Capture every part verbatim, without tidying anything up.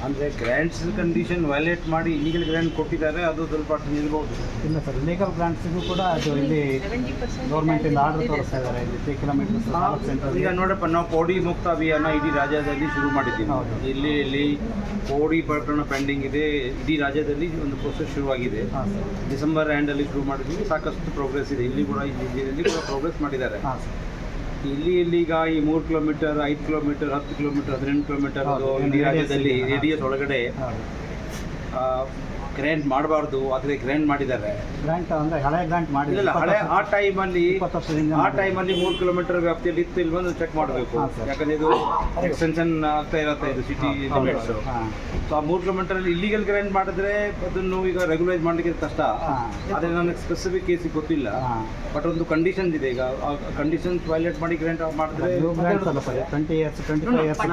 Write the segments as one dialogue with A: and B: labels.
A: ಅಂದರೆ grants condition violate ಮಾಡಿ illegal grant ಕೊಟ್ಟಿದ್ದಾರೆ, ಅದು ಸ್ವಲ್ಪ ನಿಲ್ಬೋದು.
B: ಇಲ್ಲ ಸರ್, ಲೀಗಲ್ ಗ್ರಾಂಟ್ಸಿಗೂ ಕೂಡ ಅದು ಇಲ್ಲಿ ಗೌರ್ಮೆಂಟಿಂದ ಆರ್ಡರ್ ತೋರಿಸ್ತಾ ಇದ್ದಾರೆ. ಇಲ್ಲಿ ತ್ರೀ ಕಿಲೋಮೀಟರ್ಸ್ ಸೆಂಟರ್.
A: ಈಗ ನೋಡಪ್ಪ, ನಾವು ಕೋಡಿ ಮುಕ್ತ ಅಭಿಯಾನ ಇಡೀ ರಾಜ್ಯದಲ್ಲಿ ಶುರು ಮಾಡಿದ್ದೀವಿ. ಇಲ್ಲಿ ಇಲ್ಲಿ ಕೋಡಿ ಪ್ರಕರಣ ಪೆಂಡಿಂಗ್ ಇದೆ, ಇಡೀ ರಾಜ್ಯದಲ್ಲಿ ಒಂದು ಪ್ರೊಸೆಸ್ ಶುರುವಾಗಿದೆ. ಡಿಸೆಂಬರ್ ಎಂಡಲ್ಲಿ ಶುರು ಮಾಡಿದ್ದೀವಿ, ಸಾಕಷ್ಟು ಪ್ರೋಗ್ರೆಸ್ ಇದೆ. ಇಲ್ಲಿ ಕೂಡ ಇಲ್ಲಿ ಕೂಡ ಪ್ರೋಗ್ರೆಸ್ ಮಾಡಿದ್ದಾರೆ. ಇಲ್ಲಿ ಇಲ್ಲಿಗ ಈ ಮೂರು ಕಿಲೋಮೀಟರ್, ಐದು ಕಿಲೋಮೀಟರ್, ಹತ್ತು ಕಿಲೋಮೀಟರ್, ಹದಿನೆಂಟು ಕಿಲೋಮೀಟರ್ ಇಡೀ ರಾಜ್ಯದಲ್ಲಿ ರೇಡಿಯಸ್ ಒಳಗಡೆ ಗ್ರ್ಯಾಂಟ್ ಮಾಡಬಾರ್ದು, ಆದರೆ ಗ್ರ್ಯಾಂಟ್ ಮಾಡಿದ್ದಾರೆ.
B: ಗ್ರಾಂಟ್ ಅಂದರೆ ಹಳೆ ಗ್ರಾಂಟ್ ಮಾಡಿಲ್ಲ.
A: ಹಳೆ ಆ ಟೈಮಲ್ಲಿ
B: ಇಪ್ಪತ್ತು ವರ್ಷದಿಂದ
A: ಆ ಟೈಮಲ್ಲಿ ಮೂರು ಕಿಲೋಮೀಟರ್ ವ್ಯಾಪ್ತಿಯಲ್ಲಿ ಇತ್ತು ಇಲ್ವೊಂದು ಚೆಕ್ ಮಾಡಬೇಕು. ಯಾಕಂದರೆ ಇದು ಎಕ್ಸ್ಟೆನ್ಷನ್ ಆಗ್ತಾ ಇರತ್ತೆ, ಇದು ಸಿಟಿ ಲಿಮಿಟ್ಸ್. ಸೊ ಆ ಮೂರು ಕಿಲೋಮೀಟರಲ್ಲಿ ಇಲ್ಲಿಗಲ್ ಗ್ರ್ಯಾಂಟ್ ಮಾಡಿದ್ರೆ ಅದನ್ನು ಈಗ ರೆಗ್ಯುಲೈಸ್ ಮಾಡಲಿಕ್ಕೆ ಕಷ್ಟ. ಆದರೆ ನನಗೆ ಸ್ಪೆಸಿಫಿಕ್ ಕೇಸಿಗೆ ಗೊತ್ತಿಲ್ಲ. ಬಟ್ ಒಂದು ಕಂಡೀಷನ್ಸ್ ಇದೆ. ಈಗ ಕಂಡೀಷನ್ಸ್ ವೈಲೇಟ್ ಮಾಡಿ ಗ್ರ್ಯಾಂಟ್ ಮಾಡಿದ್ರೆ
B: twenty years twenty five years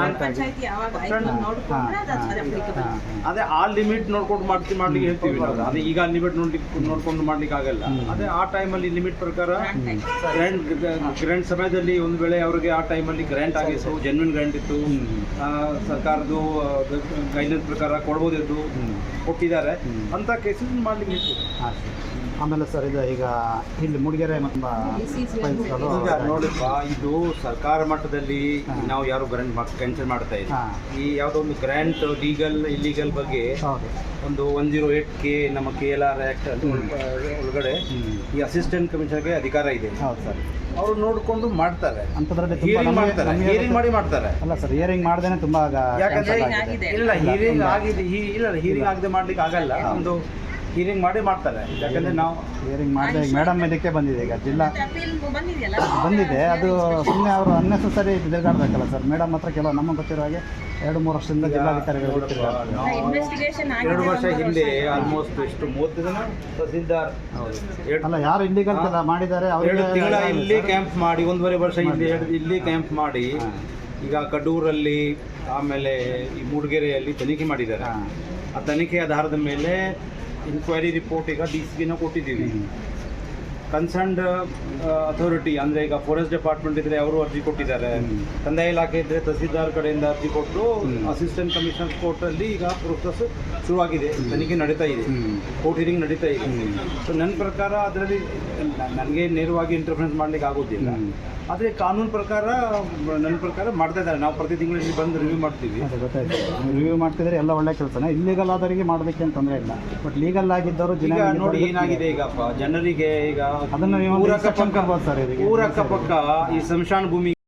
A: ಅದೇ ಆ ಲಿಮಿಟ್ ನೋಡ್ಕೊಂಡು ಮಾಡ್ತೀವಿ ಮಾಡ್ಲಿಕ್ಕೆ ಹೇಳ್ತೀವಿ ನಾವು. ಅದೇ ಈಗ ಲಿಮಿಟ್ ನೋಡ್ಲಿಕ್ಕೆ ನೋಡ್ಕೊಂಡು ಮಾಡ್ಲಿಕ್ಕೆ ಆಗಲ್ಲ. ಅದೇ ಆ ಟೈಮಲ್ಲಿ ಲಿಮಿಟ್ ಪ್ರಕಾರ ಗ್ರ್ಯಾಂಟ್ ಗ್ರ್ಯಾಂಟ್ ಸಮಯದಲ್ಲಿ ಒಂದು ವೇಳೆ ಅವರಿಗೆ ಆ ಟೈಮಲ್ಲಿ ಗ್ರ್ಯಾಂಟ್ ಆಗಿತ್ತು, ಜೆನ್ವಿನ್ ಗ್ರ್ಯಾಂಟ್ ಇತ್ತು, ಸರ್ಕಾರದ್ದು ಗೈಡ್ಲೈನ್ಸ್ ಪ್ರಕಾರ ಕೊಡ್ಬೋದಿತ್ತು, ಕೊಟ್ಟಿದ್ದಾರೆ, ಅಂತ ಕೇಸಸ್ ಮಾಡ್ಲಿಕ್ಕೆ ಇತ್ತು.
B: ಆಮೇಲೆ ಸರ್, ಇದು ಈಗ ಇಲ್ಲಿ ಮೂಡಿಗೆರೆ
A: ಈಗ ನೋಡಪ್ಪ, ಇದು ಸರ್ಕಾರ ಮಟ್ಟದಲ್ಲಿ ನಾವು ಯಾರು ಗ್ರ್ಯಾಂಟ್ ಕ್ಯಾನ್ಸಲ್ ಮಾಡ್ತಾ ಇದ್ದೀವಿ. ಈ ಯಾವುದೋ ಒಂದು ಗ್ರ್ಯಾಂಟ್ ಲೀಗಲ್ ಇಲ್ಲಿಗಲ್ ಬಗ್ಗೆ ಒಂದು ಒನ್ ಜೀರೋ ಏಟ್ ಕೆ ನಮ್ಮ ಕೆ ಎಲ್ ಆರ್ ಆ್ಯಕ್ಟ್ ಒಳಗಡೆ ಈ ಅಸಿಸ್ಟೆಂಟ್ ಕಮಿಷನರ್ಗೆ ಅಧಿಕಾರ ಇದೆ.
B: ಹೌದು ಸರ್,
A: ಅವರು ನೋಡಿಕೊಂಡು ಮಾಡ್ತಾರೆ,
B: ಅಂಥದ್ರಲ್ಲಿ
A: ಹಿಯರಿಂಗ್ ಮಾಡ್ತಾರೆ, ಹಿಯರಿಂಗ್ ಮಾಡಿ ಮಾಡ್ತಾರೆ.
B: ಅಲ್ಲ ಸರ್, ಹಿಯರಿಂಗ್ ಮಾಡ್ದೇನೆ ತುಂಬ
A: ಯಾಕಂದ್ರೆ ಇಲ್ಲ ಹಿಯರಿಂಗ್ ಆಗಿದೆ, ಇಲ್ಲ ಹಿಯರಿಂಗ್ ಆಗದೆ ಮಾಡ್ಲಿಕ್ಕೆ ಆಗಲ್ಲ. ಒಂದು ಹಿಯರಿಂಗ್ ಮಾಡಿ ಮಾಡ್ತಾರೆ. ಯಾಕಂದರೆ ನಾವು
B: ಹಿಯರಿಂಗ್ ಮಾಡಿದೆ. ಈಗ ಮೇಡಮ್ ಇದಕ್ಕೆ ಬಂದಿದೆ, ಈಗ ಜಿಲ್ಲಾ ಬಂದಿದೆ. ಅದು ಸುಮ್ಮನೆ ಅವರು ಅನ್ನೆಸೆಸರಿ ತಿರುಗಾಡಬೇಕಲ್ಲ ಸರ್. ಮೇಡಮ್ ಹತ್ರ ಕೆಲವು ನಮ್ಮ ಗೊತ್ತಿರೋ ಹಾಗೆ ಎರಡು ಮೂರು ವರ್ಷದಿಂದ ಜಿಲ್ಲಾಧಿಕಾರಿಗಳು
A: ಎರಡು ವರ್ಷ ಹಿಂದೆ ಆಲ್ಮೋಸ್ಟ್ ಎಷ್ಟು ಮೂವತ್ತು ಜನ ತಹಸೀಲ್ದಾರ್
B: ಅಲ್ಲ ಯಾರು ಇಲ್ಲಿಗಲ್ ಮಾಡಿದ್ದಾರೆ
A: ಎರಡು ತಿಂಗಳ ಇಲ್ಲಿ ಕ್ಯಾಂಪ್ ಮಾಡಿ, ಒಂದೂವರೆ ವರ್ಷ ಇಲ್ಲಿ ಇಲ್ಲಿ ಕ್ಯಾಂಪ್ ಮಾಡಿ ಈಗ ಕಡೂರಲ್ಲಿ ಆಮೇಲೆ ಈ ಮೂಡಿಗೆರೆಯಲ್ಲಿ ತನಿಖೆ ಮಾಡಿದ್ದಾರೆ. ಆ ತನಿಖೆ ಆಧಾರದ ಮೇಲೆ ಇನ್ಕ್ವೈರಿ ರಿಪೋರ್ಟ್ ಈಗ ಡಿ ಸಿ ಗೆ ಕೊಟ್ಟಿದ್ದೀವಿ. ಕನ್ಸರ್ನ್ಡ್ ಅಥಾರಿಟಿ ಅಂದರೆ ಈಗ ಫಾರೆಸ್ಟ್ ಡಿಪಾರ್ಟ್ಮೆಂಟ್ ಇದ್ದರೆ ಅವರು ಅರ್ಜಿ ಕೊಟ್ಟಿದ್ದಾರೆ, ಕಂದಾಯ ಇಲಾಖೆ ಇದ್ದರೆ ತಹಸೀಲ್ದಾರ್ ಕಡೆಯಿಂದ ಅರ್ಜಿ ಕೊಟ್ಟು ಅಸಿಸ್ಟೆಂಟ್ ಕಮಿಷನರ್ ಕೋರ್ಟಲ್ಲಿ ಈಗ ಪ್ರೊಸೆಸ್ ಶುರುವಾಗಿದೆ, ತನಿಖೆ ನಡೀತಾ ಇದೆ, ಕೋರ್ಟ್ ಹಿಯರಿಂಗ್ ನಡೀತಾ ಇದೆ. ಸೊ ನನ್ನ ಪ್ರಕಾರ ಅದರಲ್ಲಿ ನನಗೆ ನೇರವಾಗಿ ಇಂಟರ್ಫರೆನ್ಸ್ ಮಾಡಲಿಕ್ಕೆ ಆಗೋದಿಲ್ಲ. ಆದರೆ ಕಾನೂನು ಪ್ರಕಾರ ನನ್ನ ಪ್ರಕಾರ ಮಾಡ್ತಾ ಇದ್ದಾರೆ. ನಾವು ಪ್ರತಿ ತಿಂಗಳಲ್ಲಿ ಬಂದು ರಿವ್ಯೂ ಮಾಡ್ತೀವಿ.
B: ಗೊತ್ತಾಯ್ತು, ರಿವ್ಯೂ ಮಾಡ್ತಿದ್ರೆ ಎಲ್ಲ ಒಳ್ಳೆ ಕೆಲಸನೇ. ಇಲ್ಲಿಗಲ್ ಆದವರಿಗೆ ಮಾಡೋದಕ್ಕೆ ಅಂತ ತೊಂದರೆ ಇಲ್ಲ. ಬಟ್ ಲೀಗಲ್ ಆಗಿದ್ದವರು
A: ಈಗ ನೋಡಿ ಏನಾಗಿದೆ, ಈಗಪ್ಪ ಜನರಿಗೆ ಈಗ
B: ಅದನ್ನು ಊರ ಅಕ್ಕಪಕ್ಕ
A: ಊರ ಅಕ್ಕಪಕ್ಕ ಈ ಸ್ಮಶಾನ ಭೂಮಿ